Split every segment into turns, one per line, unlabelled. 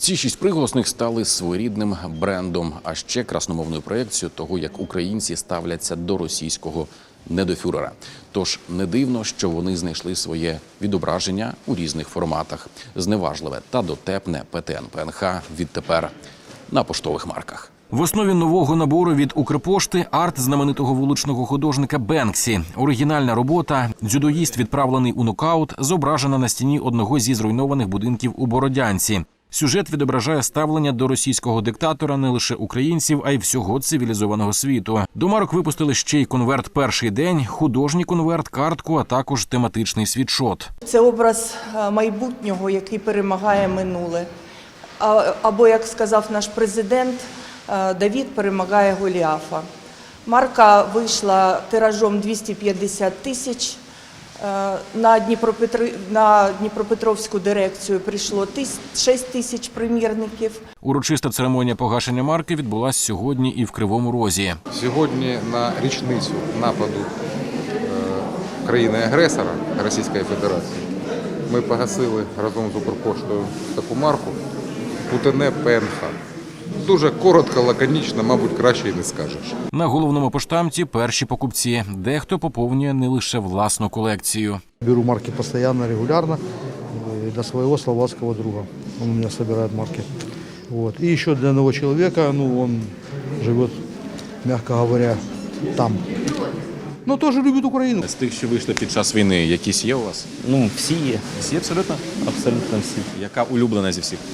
Ці 6 приголосних стали своєрідним брендом, а ще красномовною проєкцією того, як українці ставляться до російського недофюрера. Тож не дивно, що вони знайшли своє відображення у різних форматах. Зневажливе та дотепне ПТН-ПНХ відтепер на поштових марках. В основі нового набору від Укрпошти – арт знаменитого вуличного художника Бенксі. Оригінальна робота «Дзюдоїст, відправлений у нокаут», зображена на стіні одного зі зруйнованих будинків у Бородянці. Сюжет відображає ставлення до російського диктатора не лише українців, а й всього цивілізованого світу. До марок випустили ще й конверт «Перший день», художній конверт, картку, а також тематичний світшот.
Це образ майбутнього, який перемагає минуле. Або, як сказав наш президент, Давид перемагає Голіафа. Марка вийшла тиражом 250 тисяч. На Дніпропетровську дирекцію прийшло 6 тисяч примірників.
Урочиста церемонія погашення марки відбулася сьогодні і в Кривому Розі.
Сьогодні на річницю нападу країни-агресора Російської Федерації ми погасили разом з Укрпоштою таку марку ПТН-ПНХ. Дуже коротко, лаконічно, мабуть, краще і не скажеш.
На головному поштамті перші покупці. Дехто поповнює не лише власну колекцію.
Беру марки постоянно, регулярно для своего словацкого друга. Он у меня собирает марки. Вот. И еще для одного человека, он живет, мягко говоря, там. Но тоже любит Украину.
З тих, що вийшли під час війни, якісь є у вас?
Всі є.
Всі абсолютно?
Абсолютно всі.
Яка улюблена зі всіх?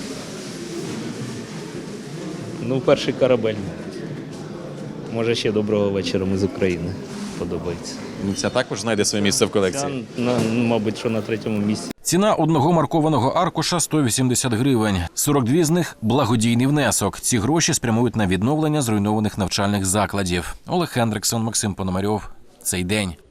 Перший корабель. Може, ще доброго вечора, ми з України. Подобається.
Ця також знайде своє місце в колекції?
Мабуть, що на 3-му місці.
Ціна одного маркованого аркуша – 180 гривень. 42 з них – благодійний внесок. Ці гроші спрямують на відновлення зруйнованих навчальних закладів. Олег Хендриксон, Максим Пономарьов. Цей день.